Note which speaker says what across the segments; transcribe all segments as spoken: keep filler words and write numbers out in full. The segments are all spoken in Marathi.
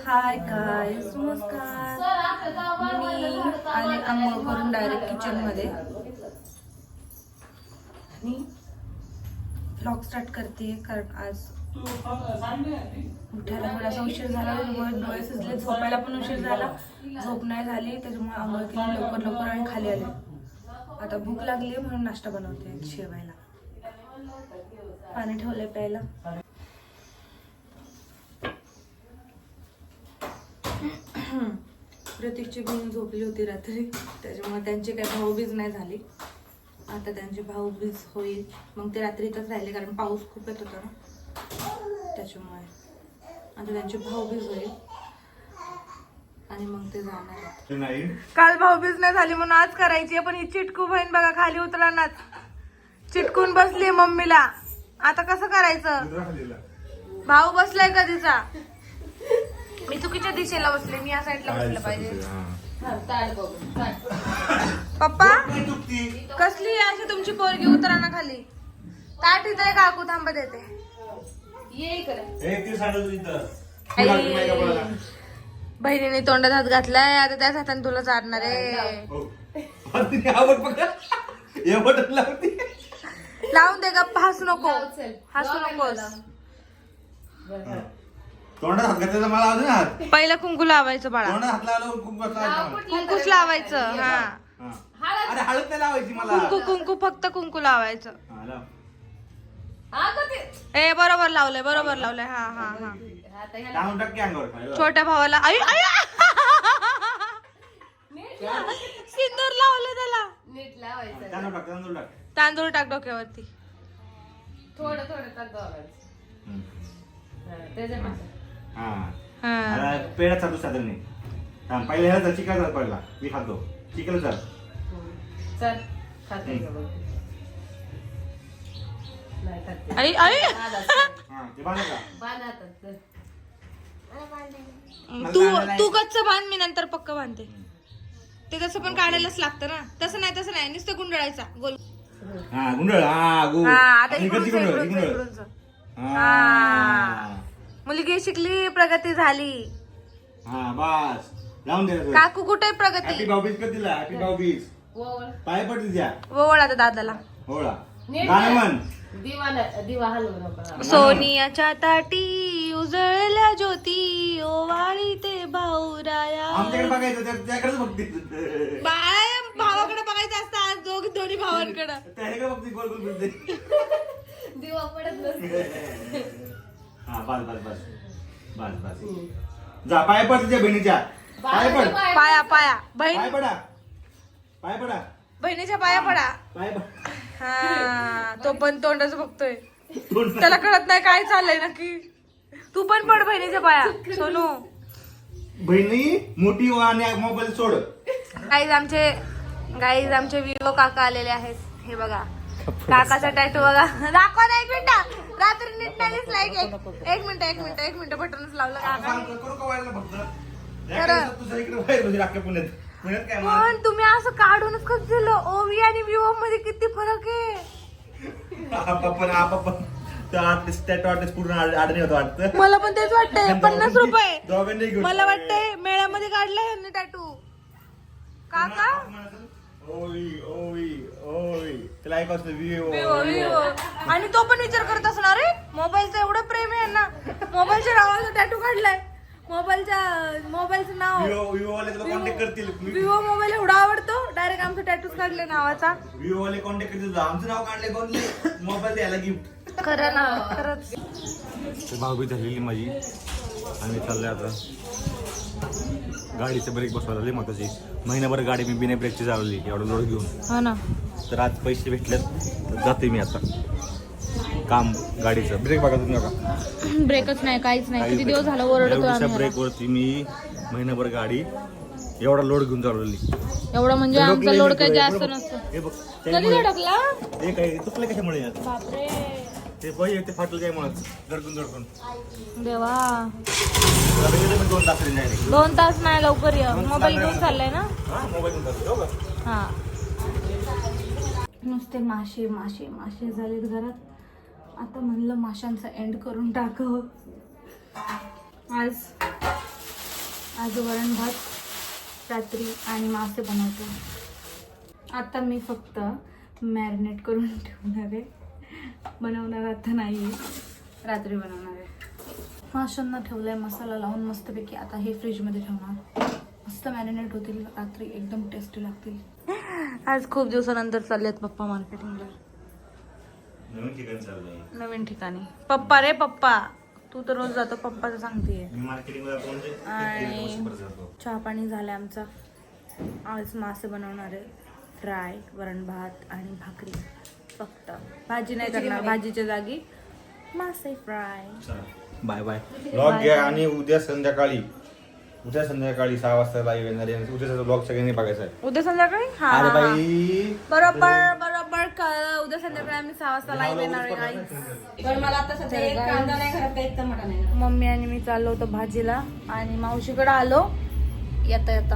Speaker 1: हाय गाईज, नमस्कार. मी आले आंघोळ करून डायरेक्ट किचन मध्ये आणि व्लॉग स्टार्ट करते कारण आज उठायला थोडासा उशीर झाला, त्याच्यामुळे डोळे सुजले, झोपायला पण उशीर झाला, झोप नाही झाली, त्याच्यामुळे आंघोळ केली लवकर लवकर आणि खाली आले. आता भूक लागली म्हणून नाश्ता बनवते शेवायला. पाणी ठेवलंय प्यायला. प्रतीकची बहीण झोपली होती रात्री, त्याच्यामुळे त्यांची काही भाऊबीज नाही झाली. आता त्यांची भाऊबीज होईल, मग ते रात्री इथंच राहिले कारण पाऊस खूप येत होता ना, त्याच्यामुळे आता त्यांची भाऊबीज होईल आणि मग ते जाणार. काल भाऊबीज नाही झाली म्हणून आज करायची, पण ही चिटकू बहीण बघा खाली उतरणार, चिटकून बसली मम्मीला. आता कसं करायचं? भाऊ बसलाय कधीचा. मी चुकीच्या दिशेला बसले, मी या साईडला बसलं पाहिजे. पप्पा कसली अशी तुमची पोरगी उतराना खाली. ताट इथं आहे काकू, थांबा देते. बहिणीने तोंडात हात घातलाय, आता त्याच हाताने तुला चालणार आहे. लावून दे गप्पा, हसू नको, हसू नकोस.
Speaker 2: तोंडात हात घातलेला मला अजून हात.
Speaker 1: पहिला कुंकू लावायचं बाळा,
Speaker 2: तोंडात हात लावल्यावर कुंकू
Speaker 1: कुंकूच लावायचं. हा
Speaker 2: अरे हळद नाही लावायची मला.
Speaker 1: कुंकू कुंकू फक्त कुंकू लावायचं.
Speaker 2: हा, लाव.
Speaker 1: ए बरोबर लावलंय, बरोबर लावलंय. हा हा हा
Speaker 2: टाकून टाक की अंगावर.
Speaker 1: छोट्या भावाला आई आई सिंदूर लावलं त्याला.
Speaker 3: नीट लावायचं.
Speaker 2: तांदूळ टाक, तांदूळ टाक.
Speaker 1: तांदूळ टाक डोक्यावरती.
Speaker 3: थोडं थोडं तांदूळ
Speaker 2: हम्म.
Speaker 3: त्याच्यामध्ये
Speaker 2: हा
Speaker 1: हा
Speaker 2: आता पेढा चालू साधन नाही. थांब, पहिले ह्याला चिकन पडला, मी खातो चिकन. चाल
Speaker 3: चल खाते का बघ. नाही खाते.
Speaker 1: आई आई
Speaker 2: हा ते बांधा का.
Speaker 3: बांध आता, चल.
Speaker 1: तू तू कच्चं बांध, मी नंतर पक्क बांधते. ते तसं पण काढायलाच लागतं ना. तसं नाही तसं नाही, नुसतं गुंडळायचा गोल.
Speaker 2: हा गुंडळ. हा गु
Speaker 1: हा आता
Speaker 2: आणि
Speaker 1: इकडूनच,
Speaker 2: इकडची गुंडळ,
Speaker 1: इकडूनच,
Speaker 2: ही गुंडळ.
Speaker 1: इकडूनच.
Speaker 2: हा
Speaker 1: हा. मुलगी शिकली, प्रगती झाली.
Speaker 2: हा बस लावून दे.
Speaker 1: काकू कुठे
Speaker 2: हॅपी
Speaker 1: प्रगती?
Speaker 2: भाऊबीज कर तिला. हॅपी भाऊबीज.
Speaker 3: ओवळ.
Speaker 2: पाय पड तिच्या.
Speaker 1: ओवळ आता दादाला.
Speaker 2: होळा
Speaker 3: नीट
Speaker 2: गाणं म्हण.
Speaker 3: दिवा न- दिवा हलवू नको.
Speaker 1: सोनियाच्या ताटी उजळल्या ज्योती, ओवाळी ते भाऊराया.
Speaker 2: आमच्याकडे बघायचं, त्या- त्याकडेच बघते.
Speaker 1: बाय भावाकडे बघायचं असतं आज, दोघ दोन्ही भावांकडे.
Speaker 2: त्याकडे बघते, गोल गोल फिरते.
Speaker 3: दिवा पडत नसते.
Speaker 2: हा बस बस बस बस बस. जा पाय पड तुझ्या बहिणीच्या. पाय पड.
Speaker 1: पाया पाया
Speaker 2: पाय
Speaker 1: बहीण,
Speaker 2: पडा. पाय पडा.
Speaker 1: बहिणीच्या पाया पडा.
Speaker 2: पाय पड.
Speaker 1: हा तो पण तोंडच बघतोय, त्याला कळत नाही काय चाललंय नक्की. तू पण पड बहिणीच्या पाया सोनू.
Speaker 2: बहिणी मोठी आणि मोबाईल सोड.
Speaker 1: गाईज आमचे गाईज आमचे विवो काका आलेले आहेत. हे बघा काकाचा टॅटू बघा. दाखवा ना एक मिनिट, रात्री नीट नाही दिसला. एक एक मिनिट एक मिनिट एक मिनिट बटनच लावलं काका.
Speaker 2: करू का व्हायला फक्त.
Speaker 1: खरं.
Speaker 2: तुझ्या इकडे बाहेर म्हणजे अख्ख्या पुण्यात. पुण्यात काय मग?
Speaker 1: पण तुम्ही असं काढूनच कसं दिलं? ओवी आणि विवो मध्ये किती फरक आहे.
Speaker 2: आपण आपण त्या आर्टिस्ट पूर्ण आडणी होतो वाटतं.
Speaker 1: मला पण तेच वाटतंय. पन्नास रुपये
Speaker 2: दोघांनी घेऊन.
Speaker 1: मला वाटतंय मेळ्यामध्ये काढलाय यांनी टॅटू. काका
Speaker 2: ओवी ओवी ओवी त्याला ऐक असतं विवो
Speaker 1: विवो विवो. आणि तो पण विचार करत असणार रे, मोबाईलचं एवढं प्रेम आहे ना, मोबाईलच्या नावाचा टॅटू काढलाय. मोबाईलच्या मोबाईलचं नाव
Speaker 2: विवो विवो वाले तुला कॉन्टॅक्ट करतील.
Speaker 1: विवो मोबाईल एवढा आवडतो, डायरेक्ट आमचा टॅटूच काढले नावाचा.
Speaker 2: विवो वाले कॉन्टॅक्ट करतील. आमचं नाव काढले कोण, मोबाईल द्यायला गिफ्ट.
Speaker 1: खरं ना, खरंच.
Speaker 2: भाऊबीज झालेली माझी आणि चाललंय आता गाडीचं ब्रेक बसवायला लई महत्वाची. महिनाभर गाडी मी बिना ब्रेकची चालवली एवढं लोड घेऊन.
Speaker 1: हो ना.
Speaker 2: तर आज पैसे भेटलेत तर जाते मी आता काम गाडीचं. ब्रेक बघा तुम्ही बघा,
Speaker 1: ब्रेकच नाही, काहीच नाही. किती दिवस झालं ओरडतो आम्ही.
Speaker 2: ब्रेक वरती मी महिनाभर गाडी एवढा लोड घेऊन चालवली.
Speaker 1: एवढं म्हणजे आमचा लोड काही जास्त नसतो.
Speaker 2: हे बघ
Speaker 1: कधी धडकला?
Speaker 2: हे काय तुटलं कशामुळे यार?
Speaker 1: बापरे
Speaker 2: ते पहिले ते फाटलं काय म्हणत धडकून धडकून.
Speaker 1: देवा,
Speaker 2: दोन तास नाही.
Speaker 1: दोन तास नाही, लवकर ये. मोबाईल घेऊन चाललाय ना.
Speaker 2: हा मोबाईल घेऊन चाललो.
Speaker 1: हा नुसते मासे मासे मासे झालेत घरात. आता म्हणलं माशांचा एंड करून टाकावं. आज आज वरण भात रात्री आणि मासे बनवतो. आता मी फक्त मॅरिनेट करून ठेवणार आहे, बनवणार आता नाही, रात्री बनवणार आहे. माशांना ठेवलं आहे मसाला लावून मस्तपैकी. आता हे फ्रीजमध्ये ठेवणार, मस्त मॅरिनेट होतील, रात्री एकदम टेस्टी लागतील. आज खूप दिवसानंतर चालले आहेत पप्पा मार्केटिंगला,
Speaker 2: नवीन ठिकाणी चाललंय.
Speaker 1: नवीन ठिकाणी. पप्पा रे पप्पा, तू तर रोज जातो, पप्पाचं सांगतेय.
Speaker 2: मी मार्केटिंगला जातो म्हणजे
Speaker 1: आणि
Speaker 2: एक वर्षभर जातो.
Speaker 1: चहा पाणी झालं आमचा. आज मासे बनवणार आहे, फ्राय, वरण भात आणि भाकरी. फक्त भाजी नाही करणार, भाजीच्या जागी मासे फ्राय.
Speaker 2: Bye bye. ब्लॉग घ्या आणि उद्या संध्याकाळी उद्या संध्याकाळी सहा वाजता लाईव्ह येणार आहे. उद्याचा ब्लॉग सगळ्यांनी बघायचा आहे.
Speaker 1: उद्या संध्याकाळी हा
Speaker 2: अरे
Speaker 1: हा.
Speaker 2: बाई
Speaker 1: बरोबर बरोबर कळलं. उद्या संध्याकाळी आम्ही सहा वाजता लाईव्ह येणार आहे guys.
Speaker 3: पण मला आता सध्या एक कांदा नाही घरात, एक टमाटा नाही.
Speaker 1: मम्मी आणि मी चाललो होतो भाजीला आणि मावशीकडे आलो येता येता.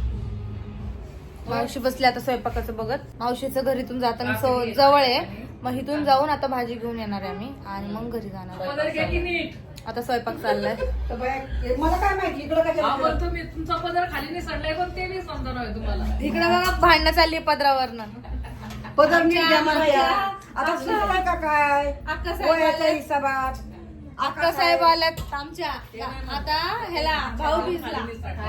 Speaker 1: मावशी बसली आता स्वयंपाकाचं बघत. मावशीचं घरीतून जाताना सो- जवळ आहे, मग इथून जाऊन आता भाजी घेऊन येणार आहे आम्ही आणि मग घरी जाणार आहे. आता स्वयंपाक चाललाय.
Speaker 4: मला काय माहिती इकडं काय
Speaker 3: तुम्ही तुमचा पदर खाली नाही सडलाय पण ते नाही समजा नव्हे तुम्हाला.
Speaker 1: इकडे बघा भांडणं चालली पदरावरनं.
Speaker 4: पदर नीट घ्या मला या. आता सुचवाय का काय
Speaker 1: अक्का
Speaker 4: वयाच्या
Speaker 1: साहेब
Speaker 4: हिसाबात
Speaker 1: अक्का साहेब आल्यात आमच्या आता ह्याला भाऊबीजला.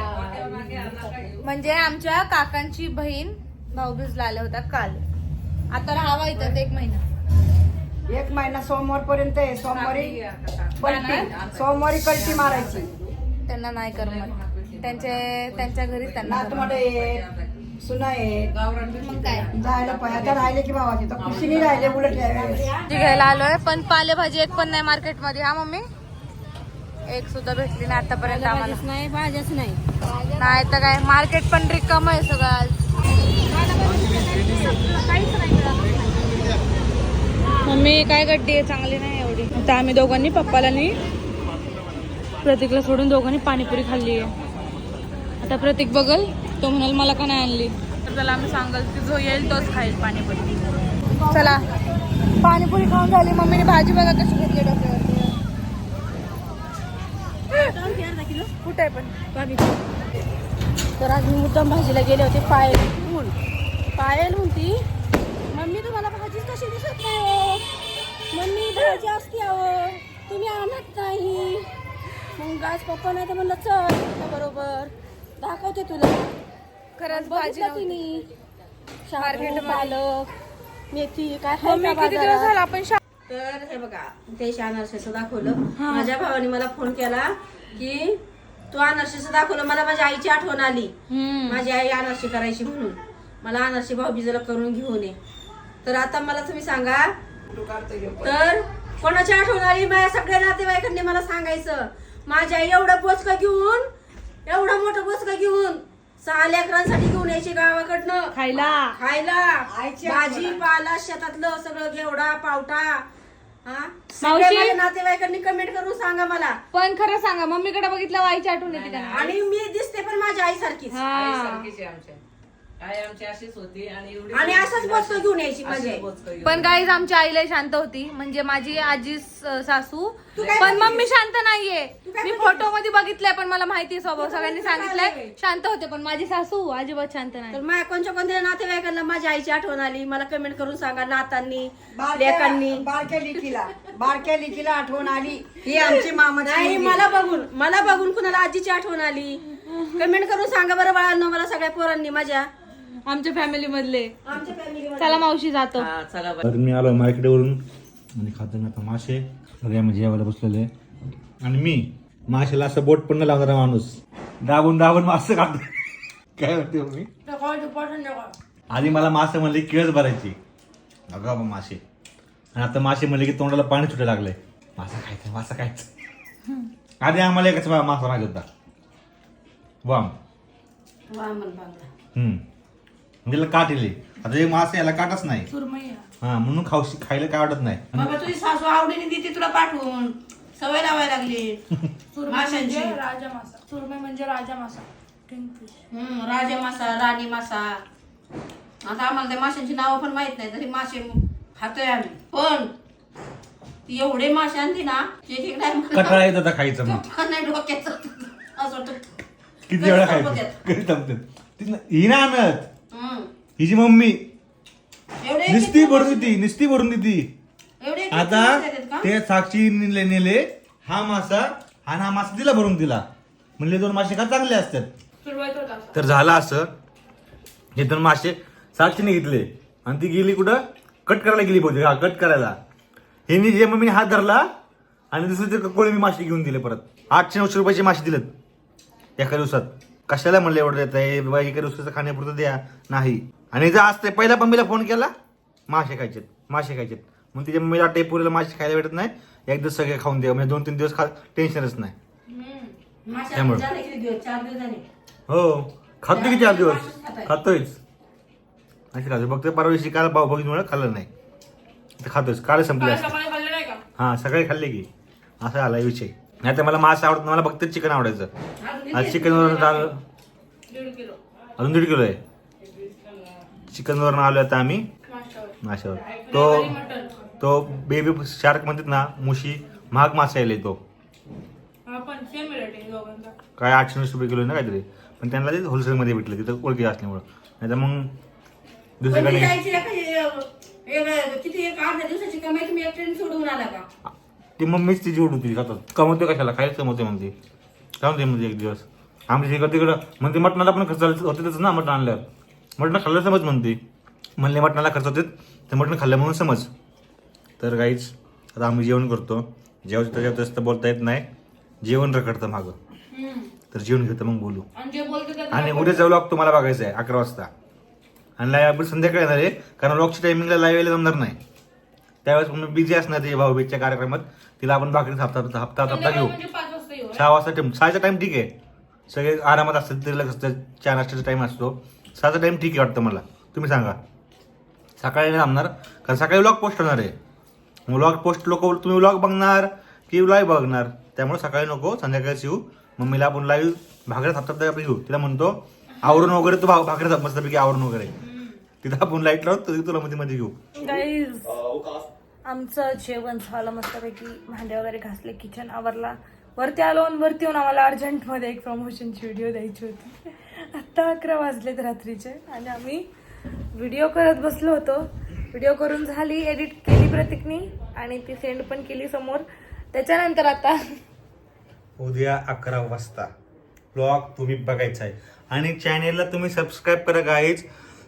Speaker 1: म्हणजे आमच्या काकांची बहीण भाऊबीजला आल्या होत्या काल. आता राहावा इथं एक महिना.
Speaker 4: एक महिना सोमवार पर्यंत आहे. सोमवारी कल्टी सोमवारी कल्टी मारायची.
Speaker 1: त्यांना नाही करमत, त्यांचे त्यांच्या घरी त्यांना
Speaker 4: नातमड आहे, सुना आहे,
Speaker 1: मग काय
Speaker 4: जायला पाहिजे. आता राहिले की भावाचे तर खुशीने राहिले उलट यावेळेस.
Speaker 1: भाजी घ्यायला आलोय, पण पालेभाजी एक पण नाही मार्केटमध्ये. हा मम्मी, एक सुद्धा भेटली नाही आतापर्यंत आम्हाला.
Speaker 3: नाही भाज्याच नाही.
Speaker 1: नाही तर काय, मार्केट पण रिकाम आहे सगळं आज. मम्मी काय गड्डी आहे, चांगली नाही एवढी. आता आम्ही दोघांनी, पप्पाला आणि प्रतीकला सोडून दोघांनी पाणीपुरी खाल्ली आहे. आता प्रतीक बघल, तो म्हणाल मला का नाही आणली, तर त्याला आम्ही सांगाल की जो येईल तोच खाईल पाणीपुरी. चला, पाणीपुरी खाऊन झाली. मम्मीने भाजी बघा कशी घेतली डोक्यावरती. कुठे आहे पण.
Speaker 3: तर आज मी मुद्दाम भाजीला गेले होते. पायल म्हणून पायल म्हणती मम्मी तुम्हाला भाजीच कशी दिसत नाही हो, मम्मी भाजी असते अहो तुम्ही आणत नाही. मग आज पप्पा नाही तर म्हणलं चल बरोबर दाखवते तुला.
Speaker 1: खरंच भाजी
Speaker 3: बघितलं तिने शार्गेट पालक मेथी काय आहे
Speaker 1: मम्मी
Speaker 3: का
Speaker 1: किती दिवस
Speaker 3: बाजारात?
Speaker 1: झाला आपण शा-
Speaker 3: तर हे बघा ते अनारशाचं दाखवलं. माझ्या भावाने मला फोन केला की तू अनारशाचं दाखवलं, मला माझ्या आईची आठवण आली.
Speaker 1: हम्म.
Speaker 3: माझी आई अनारशी करायची म्हणून मला अनारशी भाऊबीजेला करून घेऊन ये. तर आता मला तुम्ही सांगा, तर कोणाची आठवण आली? माझ्या सगळ्या नातेवाईकांनी मला सांगायचं. माझ्या आई एवढं बोचका घेऊन, एवढं मोठं बोचका घेऊन सहा लेकरांसाठी घेऊन यायची गावाकडनं
Speaker 1: खायला.
Speaker 3: खायला.
Speaker 4: आईची
Speaker 3: भाजीपाला शेतातलं सगळं घेवडा पावटा. हा
Speaker 1: मावशी?
Speaker 3: सगळ्या माझ्या नातेवाईकांनी कमेंट करून सांगा मला.
Speaker 1: पण खरं सांगा, मम्मीकडे बघितलं आईची आठवण येते का नाही?
Speaker 3: आणि मी दिसते पण माझ्या आई सारखीच.
Speaker 1: हा.
Speaker 5: आई आमची अशीच होती आणि एवढी
Speaker 3: आणि असंच बोचकं घेऊन यायची माझी आई.
Speaker 1: पण गाईज आमची आई लय शांत होती, म्हणजे माझी आजी स- सासू.
Speaker 3: तू काय
Speaker 1: पण
Speaker 3: बघितलीस?
Speaker 1: मम्मी शांत नाहीये.
Speaker 3: तू काय
Speaker 1: मी
Speaker 3: बघितलीस?
Speaker 1: फोटो मध्ये बघितलंय, पण मला माहिती आहे स्वभाव, सगळ्यांनी
Speaker 3: तू काय
Speaker 1: सांगितलंय
Speaker 3: झालंय?
Speaker 1: शांत होते, पण माझी सासू अजिबात शांत
Speaker 3: तर
Speaker 1: नाही.
Speaker 3: माझ्या कोणत्या कोणत्या नातेवाईकांना माझ्या आईची आठवण आली मला कमेंट करून सांगा. नातांनी
Speaker 4: बारक्या
Speaker 3: लेकांनी.
Speaker 4: बारक्या लिकीला बारक्या लिकीला आठवण आली ही आमची मामाची
Speaker 3: नाही,
Speaker 4: मुलगी.
Speaker 3: मला बघून मला बघून कुणाला आजीची आठवण आली कमेंट करून सांगा बरं बाळांनो मला, सगळ्या पोरांनी माझ्या
Speaker 1: आमच्या फॅमिली मधले.
Speaker 3: आमच्या फॅमिली.
Speaker 1: चला मावशी जातो.
Speaker 5: हा, चला बाई.
Speaker 2: तर मी आलो मार्केटवरून आणि खातो मी आता मासे. सगळ्या जेवायला बसलेले आणि मी माशाला असं बोट पण न लावणारा माणूस, दाबून दाबून मासे खातो. काय म्हणते मी, आधी मला मासे म्हणले केळच भरायची, अगं बाबा मासे. आणि आता मासे म्हणले की तोंडाला पाणी सुटायला लागलंय. मासा खायचं मासा खायचं. आधी आम्हाला एकच मासा माहिती होता, वाम. हम्म म्हणजे काट येले. आता हे मासे याला काटच नाही, हा म्हणून खाऊ खायला काय वाटत नाही.
Speaker 3: बाबा तुझी सासू आवडीने देते तुला पाठवून, सवय लावायला लागली माशांची.
Speaker 1: राजा मासा, सुरमई म्हणजे राजा मासा,
Speaker 3: हम्म राजा मासा, राणी मासा. आता आम्हाला त्या माशांची नावं पण माहित नाही, तरी मासे खातोय आम्ही. पण ती एवढे मासे आणते ना, एक एक टाइम
Speaker 2: कटाळा येत होता खायचं मग.
Speaker 3: नाही डोक्याचं असं वाटतं
Speaker 2: किती वेळा
Speaker 3: कधी
Speaker 2: खायचं
Speaker 3: संपतात?
Speaker 2: कधी संपतात ती ही ना आणत
Speaker 3: हम्म.
Speaker 2: हिची मम्मी
Speaker 3: एवढे
Speaker 2: निस्ती
Speaker 3: किती
Speaker 2: भरून देती निस्ती भरून देती
Speaker 3: एवढे किती
Speaker 2: आता
Speaker 3: मासे आहेत का?
Speaker 2: ते साक्षी नेले नेले हा मासा आणि हा मासा दिला भरून तिला म्हणले दोन मासे का चांगले असतात
Speaker 1: सुरुवात होता
Speaker 2: तर झालं असं हे दोन मासे साक्षीने घेतले आणि ती गेली कुठं कट करायला गेली बहुतेक हा कट करायला हे जे मम्मीने हात धरला आणि दुसरे ते कोळी मासे घेऊन दिले परत आठशे नऊशे रुपयाचे मासे दिलेत एका दिवसात कशाला म्हणलं एवढं देत आहे बाबा एका दिवसाचं खाण्यापुरतं द्या नाही आणि जर आज ते पहिला मम्मीला फोन केला मासे खायचेत मासे खायचेत मग तिच्या मम्मीला टेपुरीला मासे खायला भेटत नाही एकदा सगळे खाऊन द्या म्हणजे दोन तीन दिवस खा टेन्शनच नाही
Speaker 3: मासे
Speaker 2: त्यामुळे.
Speaker 3: झाले किती दिवस? चार दिवसांनी.
Speaker 2: हो खातो की चार दिवस
Speaker 3: मासेच खाताय.
Speaker 2: खातोयच अशी खातो फक्त परवा दिवशी काल भाऊ बघितमुळे खाल्लं नाही ते खातोयच काल संपले असते
Speaker 1: सकाळी खाल्ले नाही का
Speaker 2: हा सकाळी खाल्ले की असा आला विषय नाही तर मला मास आवडत मला फक्त चिकन आवडायचं
Speaker 3: अजून
Speaker 2: आज
Speaker 3: किती
Speaker 2: चिकन वरून आलो
Speaker 1: दीड किलो
Speaker 2: अजून दीड किलो आहे चिकन वरून आलो आता आम्ही
Speaker 1: माशावर
Speaker 2: माशावर तो
Speaker 1: मटन
Speaker 2: तो बेबी शार्क म्हणतात ना मुशी महाग मासा यायला तो
Speaker 1: हा पण सेम रेट आहे दोघांचा
Speaker 2: काय आठशे नऊशे रुपये किलो आहे ना काहीतरी पण त्यांना ते होलसेलमध्ये भेटलं तिथं ओळखी असल्यामुळं नाही तर मग
Speaker 3: पण
Speaker 2: दुसरीकडे
Speaker 3: ती जायची एका- एक- एक- किती एक अर्ध्या दिवसाची कमाई तुम्ही एक ट्रेन सोडून आला का?
Speaker 2: ती मम्मीच तिची उड होती खातात कमवते कशाला खायला कमवते म्हणते कमवते म्हणजे एक दिवस आमच्या इकडं तिकडं म्हणते मटणाला पण खर्च होतेच ना मटण आणल्यावर मटण खाल्लं समज म्हणते म्हणले मटणाला खर्च होते ते मटण खाल्लं म्हणून समज तर काहीच आता आम्ही जेवण करतो जेवण त्याच्यात जास्त बोलता येत नाही जेवण रखडतं मागं तर जेवण घेतं मग बोलू
Speaker 1: आणि जे बोलते ते
Speaker 2: आणि उद्याचा व्लॉग तुम्हाला बघायचा आहे अकरा वाजता आणि लाईव्ह आपण संध्याकाळी येणार आहे कारण व्लॉगच्या टायमिंगला लाईव्ह यायला जमणार नाही त्यावेळेस मी बिझी असणार त्याच्या भाऊबीजच्या कार्यक्रमात तिला आपण भाकरी हप्ता हप्ता हप्ता हप्ता घेऊ
Speaker 1: म्हणजे पाच वाजता येऊ
Speaker 2: सहा वाजता टाइम सहाचा टाइम ठीक आहे सगळे आरामात असतात तिला कसं चार नाश्त्याचा टाइम असतो सहाचा टाइम ठीक आहे वाटतं मला तुम्ही सांगा सकाळी नाही जमणार कारण सकाळी व्लॉग पोस्ट होणार आहे व्लॉग पोस्ट लोक तुम्ही व्लॉग बघणार की लाईव्ह बघणार त्यामुळे सकाळी नको संध्याकाळीच येऊ मम्मीला आपण लाईव्ह भाकऱ्यात हप्ता आपण घेऊ तिला म्हणतो आवरून वगैरे तू भाग भाकऱ्यात मस्तपैकी आवरून वगैरे तिथं आपण लाईट लावून तुझी तुला मध्ये मध्ये घेऊ
Speaker 1: गाईज आमचं जेवण झालं मस्तपैकी भांडे वगैरे घासले किचन आवरला वरती आलो आणि वरती येऊन आम्हाला अर्जंटमध्ये एक प्रमोशनची व्हिडिओ द्यायची होती आत्ता अकरा वाजलेत रात्रीचे आणि आम्ही व्हिडिओ करत बसलो होतो व्हिडिओ करून झाली एडिट केली प्रतीकनी आणि ती सेंड पण केली समोर त्याच्यानंतर आता
Speaker 2: उद्या अकरा वाजता ब्लॉग तुम्ही बघायचा आहे आणि चॅनेलला तुम्ही सबस्क्राईब करा गाईज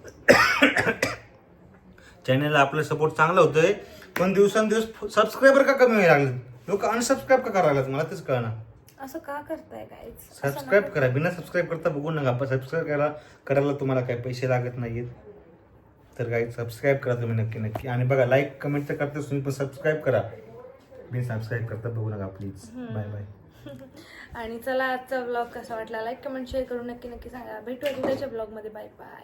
Speaker 2: चॅनेलला आपलं सपोर्ट चांगलं होतंय पण दिवसांदिवस सबस्क्रायबर का कमी व्हायला लागले लोक अनसबस्क्राईब का करायला लागले मला तेच कळणार
Speaker 1: असं का करताय काय
Speaker 2: सबस्क्राईब करा बिना सबस्क्राईब करता बघू नका पण सबस्क्राईब करा करायला तुम्हाला काही पैसे लागत नाहीयेत तर काही सबस्क्राईब करा तुम्ही नक्की नक्की आणि बघा लाईक कमेंट तर करतेच तुम्ही पण सबस्क्राईब करा बिन सबस्क्राईब करता बघू नका प्लीज बाय बाय
Speaker 1: आणि चला आजचा ब्लॉग कसा वाटला लाईक कमेंट शेअर करून नक्की नक्की सांगा भेटूया उद्याच्या ब्लॉगमध्ये बाय बाय